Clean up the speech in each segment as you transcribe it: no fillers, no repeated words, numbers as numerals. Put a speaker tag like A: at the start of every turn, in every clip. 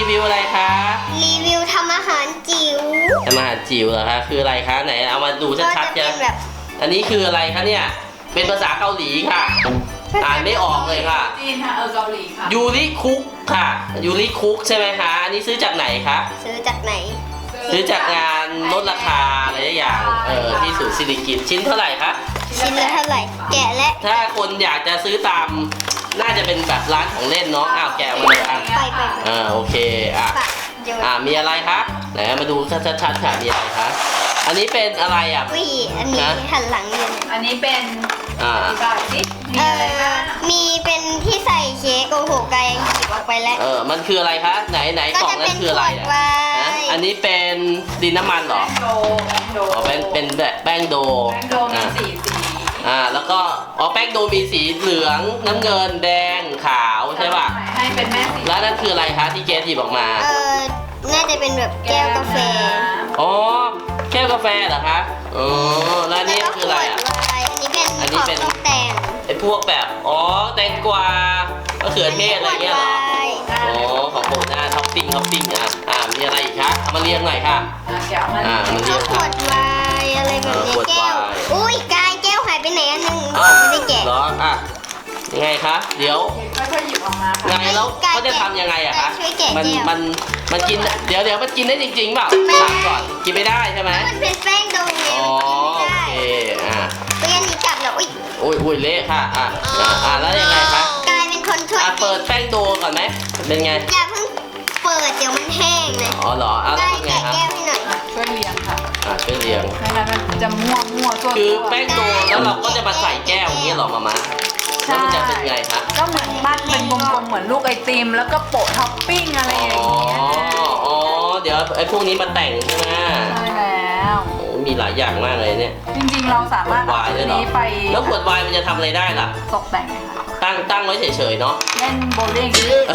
A: รีวิวอะไรคะ
B: รีวิวทำอาหารจิ๋ว
A: ทำอาหารจิ๋วเหรอคะคืออะไรคะไหนเอามาดูชัดๆจ้ะอันนี้คืออะไรคะเนี่ยเป็นภาษาเกาหลีค่ะอ่านไม่ออกเลยค่ะ
C: จีนค่ะเกาหลีค่ะ
A: ยูริคุกค่ะยูริคุกใช่ไหมคะอันนี้ซื้อจากไหนคะ
B: ซื้อจากไหน
A: ซื้อจากงานลดราคาอะไรอย่างที่ศูนย์สิริกิติ์ชิ้นเท่าไหร่คะ
B: ชิ้นละเท่าไหร่แกะและ
A: ถ้าคนอยากจะซื้อตามน่าจะเป็นแบบร้านของเล่นเนาะอ้าวแกะมาเลยอ่ะ
B: ไป
A: โอเคมีอะไรคะไหนมาดูชัดๆค่ะมีอะไรคะอันนี้เป็นอะไรอ่ะ
B: อันนี้หันหลังอยู่
C: อันนี้เป็นสิมีอะไรบ้าง
B: มีเป็นที่ใส่เค้กโอ้โหกายหยิบออกไปแล้ว
A: มันคืออะไรคะไหนกล่องนั้นคืออะไรอ่ะอันนี้เป็นดินน้ำมันหรอเป็นแบบแป้งโด
C: มีสี
A: แล้วก็แป้งโดมีสีเหลืองน้ำเงินแดงขาวใช่ป่ะ
C: ให้เป็นแม่สี
A: แล้วนั่นคืออะไรคะที่เกสหยิบออกมา
B: น่าจะเป็นแบบแก้วกาแฟ
A: แก้วกาแฟเหรอคะแล้วนี่คืออะไรอ่ะ
B: อันนี้เป็นของแต่ง
A: ไอ้พวกแบบแตงกวามะเขือเทศอะไรเงี้ยเหรอของผมนะท็อปปิ้งมีอะไรอีกคะเอามาเรียงหน่อยค่ะ
B: มันเรียงขวดไวน์อะไรแบบนี้แก้วอุ้ยกายแก้วหายไปไหนอันนึงไม่ได้แกะ
A: หรอยังไงคะเดี๋ยว
C: ค่อยๆหยิบออกมา
A: ไงแล้วเขาจะทำยังไงอะคะมันกินเดี๋ยวมันกินได้จริงๆเปล่าถามก่อนกินไม่ได้ใช่ไหม
B: มันเป็นแป้งโดไง
A: โอเค
B: ตัวนี้กลับแล้ว
A: อุ้ยเละค่ะแล้วยังไงคะ
B: กายเป็นคนช่วย
A: เปิดแป้งโดก่อนไหมเป็นไง
B: อย่าเพิ่งเปิดเดี๋ยวมันแห้งเลย
A: เหรอแล้ว
B: ยังไงครับแก้วให้หน่อย
C: ช่วยเลี้ยงค่ะ
A: ช่วยเลี้ยง
C: ไม่งั้นมันจะมั่วตัว
A: คือแป้งโดแล้วเราก็จะมาใส่แก้วอย่างนี้หรอมาแล้วมันจะเป็นไงคะ
C: ก็เหมือนปั้นเป็นกลมๆเหมือนลูกไอติมแล้วก็โปะท็อปปิ้งอะไรอย่างเงี้ย
A: เดี๋ยวไอ้พวกนี้มาแต่งใช่ไหม
C: ใช่แล้ว
A: มีหลายอย่างมากเลยเนี่ย
C: จริงๆเราสามารถเอาตัวนี้ไป
A: แล้วขวดไวน์มันจะทำอะไรได้ล่ะ
C: ตกแต่งค่ะ
A: ตั้งไว้เฉยๆเนาะ
C: เล่นโบว์ลิ่ง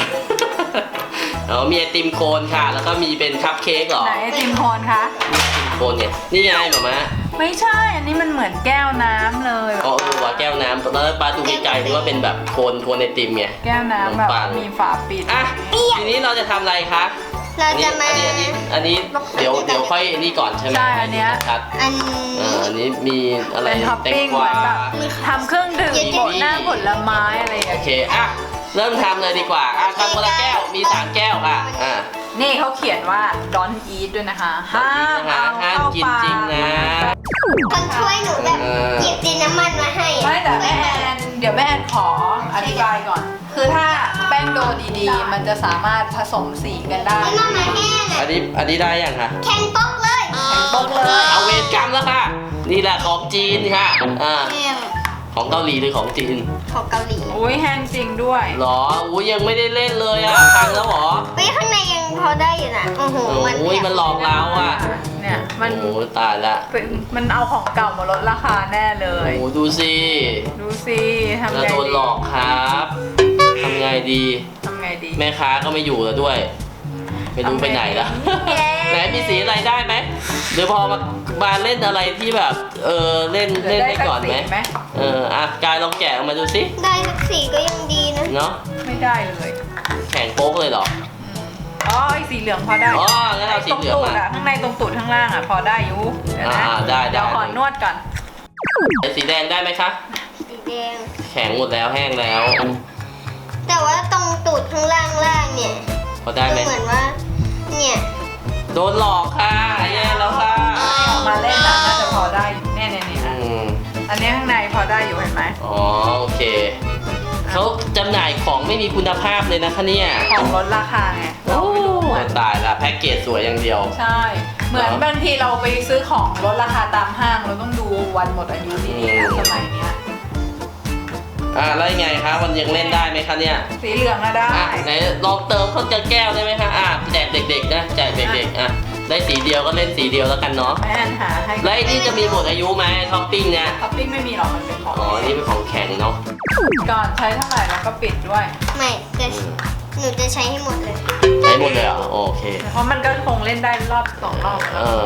A: มีไอติมโคนค่ะแล้วก็มีเป็นคัพเค้กหรอ
C: ไหนไอติมโคนคะ
A: ไอติมโคนเนี่ยนี่ไงหม่า
C: ไม่ใช่อันนี้มันเหมือนแก้วน้ำเลย
A: ว่าแก้วน้ำแล้วปลาดูไกลๆนึกว่าเป็นแบบโคนไอติมไง
C: แก้วน้ำแบบมีฝาปิด
A: ทีนี้เราจะทำอะไรคะ
B: เราจะมา
A: อันนี้เดี๋ยวค่อยนี่ก่อนใช่ไหม
C: ใช่อันนี้
A: ครับอันนี้มีอะไร
C: แตงกวาทำเครื่องดื่มโปะหน้าผลไม้อะไรอย่างเงี้ย
A: โอเคเริ่มทำเลยดีกว่าทำคนละแก้วมี3แก้วค่ะ
C: นี่เขาเขียนว่า don't eat ด้วยนะคะห้าม
A: กินจริงนะ
B: คนช่วยหนูแบบหยิบดินน้ำมันมาให้
C: ไม่แต่แม่แอนเดี๋ยวแม่แอนขออธิบายก่อนคือถ้าแป้งโดดีๆมันจะสามารถผสมสีกันได้
A: อันนี้ได้ยังคะ
B: แข็งปกเลย
A: เอาเวรกรรมแล้วค่ะนี่แหละของจีนค่ะของเกาหลีหรือของจีน
B: ของเกาหลี
C: อุ้ยแห้งจริงด้วย
A: หรอยังไม่ได้เล่นเลยพังแล้วหรอ
B: ข้างในยังพอได้อยู่นะโอ้โห
A: มันหลอกเรา
C: เนี่ยมัน
A: ตายละ
C: มันเอาของเก่ามาลดราคาแน่เลย
A: ดูสิ
C: ทำไงดี
A: โดนหลอกครับทำไงดีแม่ค้าก็ไม่อยู่แล้วด้วยไม่รู้ไปไหนแล้วไหนมีสีอะไรได้ไหมเดี๋ยวพอมาเล่นอะไรที่แบบเล่นได้ก่อนไหมกายลองแกะออกมาดูสิ
B: ได้สักสีก็ยังดีนะ
A: เนาะ
C: ไม่ได้เลย
A: แข็งโป๊กเลยเหรอ
C: ไอสีเหลืองพอได้
A: งั้นเอาสีเหลืองมา
C: ข้างในตรงตูดข้างล่างพอได้อยู่
A: ได้
C: เดี๋ยวขอนวดก่อน
A: สีแดงได้ไหมคะ
B: สีแดง
A: แข็งหมดแล้วแห้งแล้ว
B: แต่ว่าตรงตูดข้างล่างเนี่ย
A: พอได้ไหม
B: เหมือนว่าเนี่ย
A: โดนหลอกค่ะแย่แล้วค่ะ
C: มาเล่นน่าจะพอได้เนี่ยอันนี้ข้างในพอได้อยู่เห็นไหม
A: โอเคเขาจำหน่ายของไม่มีคุณภาพเลยนะคะเนี่ย
C: ของลดราคาไง
A: ตายละแพ็กเกจสวยอย่างเดียว
C: ใช่เหมือนบางทีเราไปซื้อของลดราคาตามห้างเราต้องดูวันหมดอายุดีๆสมัยเนี้ย
A: แล้วยังไงคะมันยังเล่นได้ไหมคะเนี่ย
C: สีเหลืองได้
A: ไหนลองเติมเข้าแก้วได้ไหมคะแจกเด็กๆนะแจกเด็กๆได้สีเดียวก็เล่นสีเดียวแล้วกันเนาะ
C: แม่หาให้
A: แล้วไอ้นี่จะมีหมดอายุไหมท็อปปิ้งเนี่ย
C: ท็อปปิ้งไม่มีหรอกมันเป็นของ
A: นี่เป็นของแข็งเนาะ
C: ก่อนใช้เท่าไหร่แล้วก็ปิดด้วย
B: ไม่หนูจะใช้ให้หมดเลย
A: ใช้หมดเลยเหรอโอเค
C: เพราะมันก็คงเล่นได้รอบ2 รอบ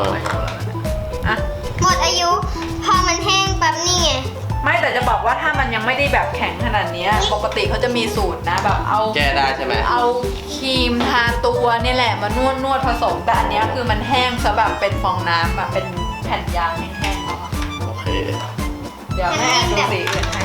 B: หมดอายุพอมันแห้งปั๊บนี่ไง
C: ไม่แต่จะบอกว่าถ้ามันยังไม่ได้แบบแข็งขนาดนี้ปกกติเขาจะมีสูตรนะแบบเอา
A: แก้ได้ใช่ไหม
C: เอาครีมทาตัวเนี่ยแหละมานวดผสมแต่อันเนี้ยคือมันแห้งซะแบบเป็นฟองน้ำแบบเป็นแผ่นยางแห้งๆเอาอะ
A: โอเค
C: เดี๋ยวแม่ดูสีอื่นให้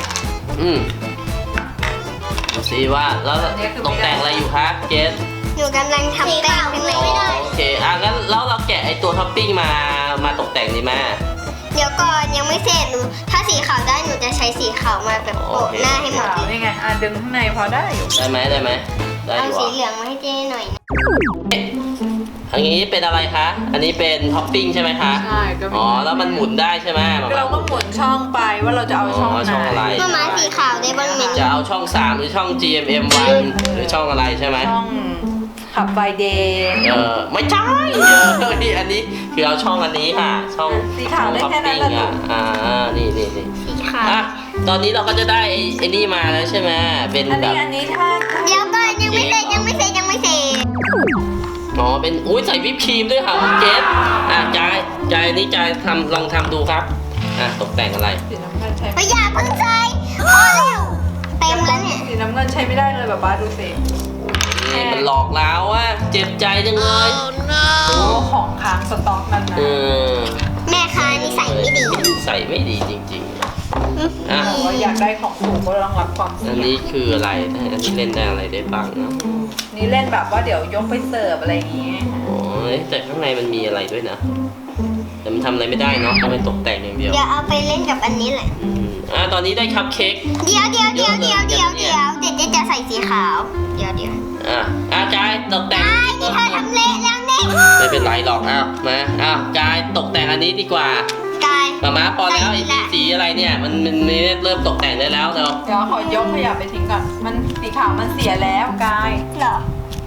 A: ดูซิว่าแล้วตกแต่งอะไรอยู่คะเกส
B: หนูกำลังทำแป้งเป็นไหม
A: โอเคงั้นแล้วเราแกะไอตัวท็อปปิ้งมาตกแต่งดีไหม
B: เดี๋ยวก่อนยังไม่เสร็จหนูถ้าสีขาวได้หนูจะใช้สีขาวมาแบบโปะหน้าให้หมด
C: ขาว
B: เลย
C: นี่ไงดึงข้างในพอได้อยู่
A: ได้ไหมได้อ
B: เอา
A: ยู่
B: สี
A: อ่ะ
B: เหลืองมาให้เจ๊หน่อยนะ
A: อันนี้เป็นอะไรคะอันนี้เป็นท็อปปิ้งใช่ไหมคะ
C: ใช่ก็มี
A: อ๋อแล้วมันหมุนได้ใช่ไหม
C: เราก็หมุนช่องไปว่าเราจะเอาช่อง
A: อ๋อช่องอะไร
C: ไหน
B: มามาสีขาวได้บ้างไหม
A: จะเอาช่อง 3 หรือช่อง GMM1 หรือช่องอะไรใช่ไหม
C: ช่องขับไฟเดย์
A: ไม่ใช่นี่อันนี้คือเอาช่องอันนี้ค่ะ ช่อง
C: สีขาวได้แค่นั้นแหละ
A: ช่องท็อปปิ้งนี่
B: สีขาว
A: อ่ะตอนนี้เราก็จะได้ไอ้นี่มาแล้วใช่ไหมเป็น
C: อัน
A: แบ
C: นี้
A: บ
C: อันนี้ถ้า
B: เดี๋ยวก่อนยังไม่เสร็จยังไม่เสร็จยังไม่เสร็จ
A: อ๋อเป็นอุ้ยใส่วิปครีมด้วยค่ะคุณเกสจายนี่จายลองทำดูครับตกแต่งอะไร
C: สีน้ำเงินใช้
B: ไม่อยากเพิ่งใส่พอแล้วเต็มแล้วเนี่ย
C: สีน้ำเงินใช้ไม่ได้เลยแบบบ้าดูสิ
A: นี่มันหลอกแล้วอ่ะเจ็บใจจังเลย
C: โอ้ของค้างสต็อกนั่นนะ
B: แม่ค้านี่ใส่ไม่ดี
A: ใส่ไม่ดีจริงๆอ่ะ
C: บอกว่าอยากได้ของถูกก็ต้องรับความ
A: อั
C: เสี่
A: น
C: ยง
A: นี้คืออะไรอันนี้เล่นได้อะไรได้บ้างนะ
C: นี่เล่นแบบว่าเดี๋ยวยกไปเสิร์ฟอะไรอย่างงี้
A: โอ้ยแต่ข้างในมันมีอะไรด้วยนะแต่มันทำอะไรไม่ได้เนาะทำเป็นตกแต่งอย่างเดียว
B: เดี๋ยวเอาไปเล่นกับอันนี้แหละ
A: ตอนนี้ได้คัพเค้ก
B: เดี๋ยวเดี๋ยวเจ๊จะใส่สีขาว เดี๋ยว
A: จายตกแต่ง
B: นี่เธอทำเละแล้วเนี่ย
A: ไม่เป็นไรหรอกมาจายตกแต่งอันนี้ดีกว่าก
B: าย
A: มาพอแล้วไอ้สีอะไรเนี่ยมันเริ่มตกแต่งได้แล้วเนาะ
C: เดี๋ยวขอยกขยะไปทิ้งก่อนมันสีขาวมันเสียแล้วกาย
B: เหรอ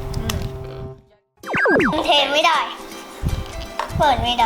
B: เทไม่ได้ เปิดไม่ได้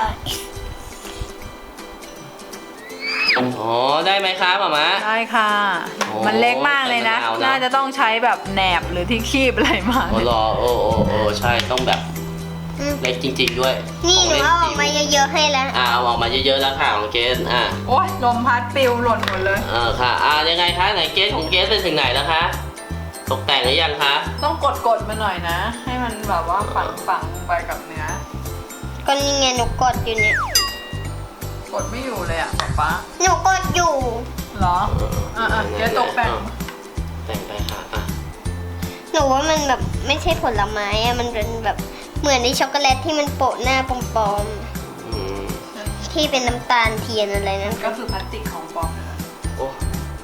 A: อ๋อได้ไหมคะหมา
C: ได้ค่ะ
A: โอ้
C: มันเล็กมากเลยนะ
A: ใส่มะนาวนะ
C: น่าจะต้องใช้แบบแหนบหรือที่คีบอะไรมา
A: โอ้รอโอ้ใช่ต้องแบบเล็กจริงๆด้วย
B: นี่หนูเอาออกมาเยอะๆให้แล้ว
A: เอาออกมาเยอะๆแล้วค่ะของเกส
C: โอ้ยลมพัดปลิวหล่นหมดเลย
A: ค่ะยังไงคะไหนเกสของเกสไปถึงไหนแล้วคะตกแต่งหรือยังคะ
C: ต้องกดมาหน่อยนะ ให้มันแบบว่าฝังลงไปกับเนื้อ
B: ก็นี่ไงหนูกดอยู่เนี่ย
C: กดไม่อยู่เลยอ่ะป๊า
B: หนูกดอยู่
C: เหรอเดี๋ยวตกแต่ง
A: แต่งไปค่ะ
B: หนูว่ามันแบบไม่ใช่ผลไม้อะมันเป็นแบบเหมือนในช็อกโกแลตที่มันโปะหน้าปลอมๆที่เป็นน้ำตาลเทียนอะไรนั่น
C: ก็คือพลาสติกของปลอมนั่นแหละ
A: โอ้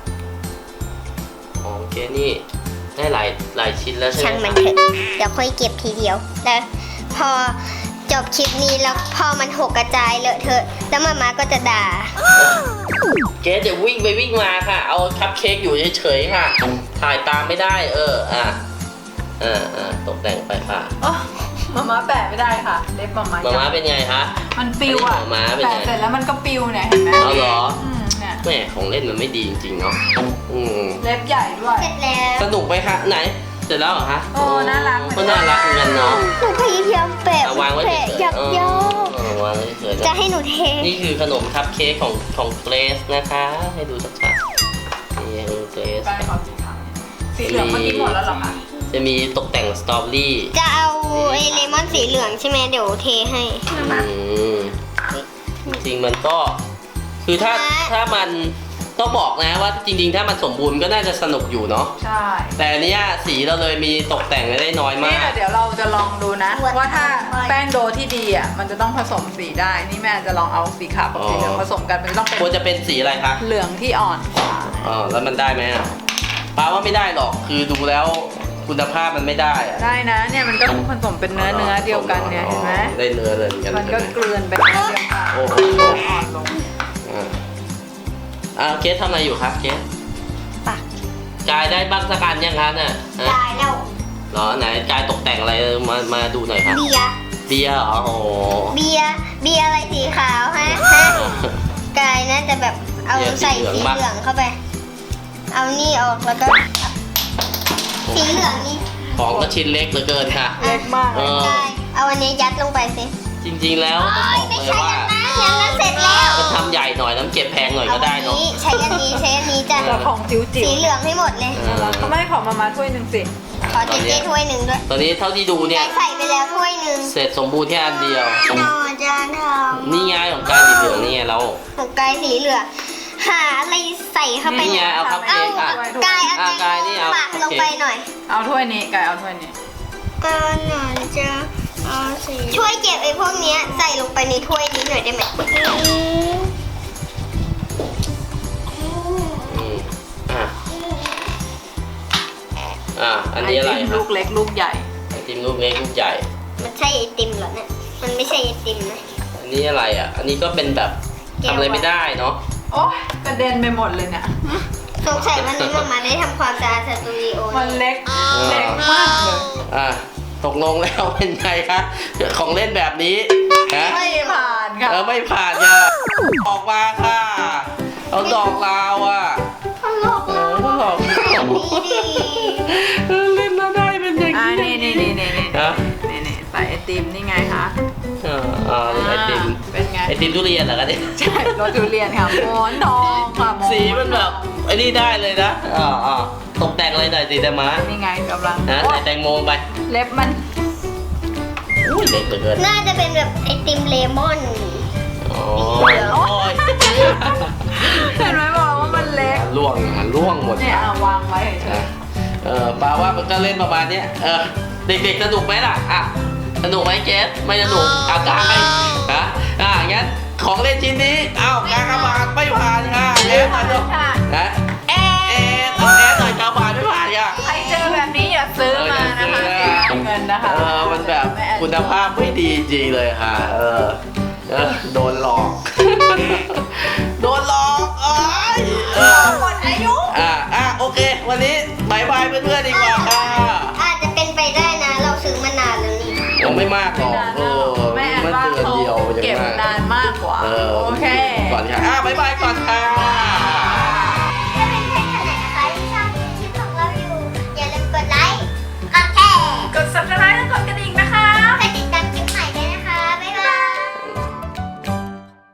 A: ของเกสนี่ได้หลายชิ้นแล้วใช่ไหม
B: ช่างมันเถอะเดี๋ยวค่อยเก็บทีเดียวแล้วพอจบคลิปนี้แล้วพอมันหกกระจายเลอะเทอะแล้วมาก็จะด่า
A: เกสจะวิ่งไปวิ่งมาค่ะ เอาคัพเค้กอยู่เฉยๆค่ะ ถ่ายตามไม่ได้ตกแต่งไปค่ะ
C: มาแปะไม่ได้ค่ะ เล็บมา
A: ม้าเป็นไงคะ
C: มันปิวอ่ะ
A: ม้าเป็นไง
C: แปะเสร็จแล้วมันก็ปิวเนี่ยเห็นไหม
A: เอาเหรอ
C: เนี่ย
A: แม่ของเล่นมันไม่ดีจริงๆเนาะ
C: เล็บใหญ่ด้วย
B: เสร็จแล้ว
A: สนุกไหมคะไหนเสร็จแล้วเหรอคะ
C: โอ้น่ารัก
A: ก็น่ารักเหมือนกันเนาะ
B: หนูพยายามแปะ
A: วางไว้เฉย
B: อยากย่อ
A: วางไว้เฉย
B: จะให้หนูเท
A: นี่คือขนมคัพเค้กของเกรซนะคะ ให้ดูชัดๆนี่คือเกรซ
C: แป้งขอสีขาวสีเหลืองเมื่อกี้หมดแล้วเหรอคะ
A: จะมีตกแต่งสตรอเบอรี่
B: จะเอาไอ้เลมอนสีเหลืองใช่ไหมเดี๋ยวเทให้
A: จริงมันก็คือถ้ามันต้องบอกนะว่าจริงๆ ถ้ามันสมบูรณ์ก็น่าจะสนุกอยู่เนาะ
C: ใช่
A: แต่อันเนี้ยสีเราเลยมีตกแต่งได้น้อย
C: นี่
A: มาก
C: เดี๋ยวเราจะลองดูนะ ว่าถ้าแป้งโดที่ดีอ่ะมันจะต้องผสมสีได้ นี่แม่จะลองเอาสีขาวกับสีเหลืองผสมกันมันจะต้องเป็น
A: ควรจะเป็นสีอะไรคะ
C: เหลืองที่อ่อนกว่า
A: แล้วมันได้ไหมอ่ะป้าว่าไม่ได้หรอกคือดูแล้วคุณภาพมันไม่ได้อะ
C: ได้นะเนี่ยมันก็ผสมเป็นเนื้อเดียวกันเนี่ยเห็นไหม
A: ได้เนื้อเลยเหมือนกัน
C: มันก็
A: ใช่ไห
C: เกลือนเป็นเนื้อเดียวกัน
A: โอ้โห
C: อ่อนลง
A: เกสทำอะไรอยู่ครับเกส
B: ปัก
A: กายได้บ้างสักอันยังคะเนี่ยฮะ
B: ได้แล้ว
A: เหรอไหนกายตกแต่งอะไรมาดูหน่อยครับ
B: เบียร์
A: เบียร์เหรอโอ้โห
B: เบียร์อะไรสีขาวฮะกายน่าจะแบบเอาใส่สีเหลืองเข้าไป เอานี่ออกแล้วก็ สีเหลืองนี่
A: ของก็ชิ้นเล็กเหลือเกินค่ะ
C: เล็กมากเลย
B: กายเอาอันนี้ยัดลงไปสิ
A: จริงๆแล้วต้องบอกเลยว่า
B: ไม่ใช่งั้นมันเสร็จแล้ว
A: ก็ทำใหญ่หน่อยน้ำเก็บแพงหน่อยก็ได้เนาะ
B: ใช้อันนี้จ้ะ
C: แต่ของจิ๋ว
B: สีเหลืองให้หมดเลย
C: เขาไม่ขอมาถ้วยหนึ่งสิ
B: ขอเจ๊ถ้วยหนึ่งด้วย
A: ตอนนี้เท่าที่ดูเนี่ย
B: ใส่ไปแล้วถ้วยหนึ่ง
A: เสร็จสมบูรณ์แค่อันเดียว
B: จานทอง
A: นี่ไงของกายสีเหลืองนี่ไงเรา
B: ของกายสีเหลืองหาอะไรใส่เข้าไป
A: นี่ไงเอาคัพเค้กอ่ะ
B: กายเอา
A: กายนี่เอา
B: ปากลงไปหน่อย
C: เอาถ้วยนี้ไก่เอาถ้วยนี้
B: ก็หน่อยจะเอาสีช่วยเก็บไอ้พวกเนี้ยใส่ลงไปในถ้วยนี้หน่อยได้ไหม
A: อันนี้อะไร
C: ไติม
A: ครั
C: ลู
A: บ
C: กเล็กลูกใหญ่
A: ไอติมลูกเล็กลูกใหญ่
B: มันใช่ไอติมเหรอเนี่ยมันไม่ใช่ไอติมนะ
A: อันนี้อะไรอ่ะ อันนี้ก็เป็นแบบทำอะไรไม่ได้เนาะ
C: โอ้ยกระเด็นไปหมดเลยเนี่ย
B: สงสัยวันนี้มาได้ทำความสะอาดสตูดิโอ
C: มันเล็กเล็กมากเลย
A: ตกลงแล้วเป็นไงคะของเล่นแบบนี้ฮะ
C: ไม่ผ่านค่ะ
A: ไม่ผ่านค่ะออกมาค่ะเอาดอกลาวอ่ะ
B: ตลก
A: ดอก
B: แบบนี้ดิ
A: เล่นแล้วได้เป็นอย่าง
C: นี่
A: นี้
C: นี่
A: ฮะ
C: ใส่ไอติมนี่ไงคะ
A: ไอติม
C: เป็นไง
A: ไอติมทุเรียนเหรอคะเนี่ย
C: ใช่รสทุเรียนค่ะหมอนทองค่ะหอน
A: สีมันแบบไอ้นี่ได้เลยนะตกแต่งอะไรหน่อยสิแต่มา
C: นี่ไงกำลัง
A: นะ
C: โอ๊
A: ใส่
C: ย
A: แตงโมไป
C: เล็บมัน
A: อุ้ยเล็กเหลือเกิน
B: น่าจะเป็นแบบไอติมเลมอน
A: โอ้ย
C: เห็นไหมบอกว่ามันเล็ก
A: ล่วงหมด
C: เนี่ยเอาวางไว้เฉย
A: ปาว่ามันก็เล่นประมาณเนี้ยเด็กๆสนุกไหมล่ะสนุกไหมเกสไม่สนุกกายงั้นของเล่นชิ้นนี้กากบาทไม่ผ่านค่ะเกสมาดูนะเอสหน่อยกากบาทไม่ผ่านค่ะ
C: ใครเจอแบบนี้อย่าซื้อมานะคะเสียเงินนะคะ
A: มันแบบคุณภาพไม่ดีจริงเลยค่ะโดนหลอก โดนหลอก
C: หมดอายุ
A: โอเค วันนี้บายบายเพื่อนๆดีกว่าค่ะ
B: อาจจะเป็นไปได้นะ เราซื้อมานานแล้วนี่
A: ยังไม่มากหรอก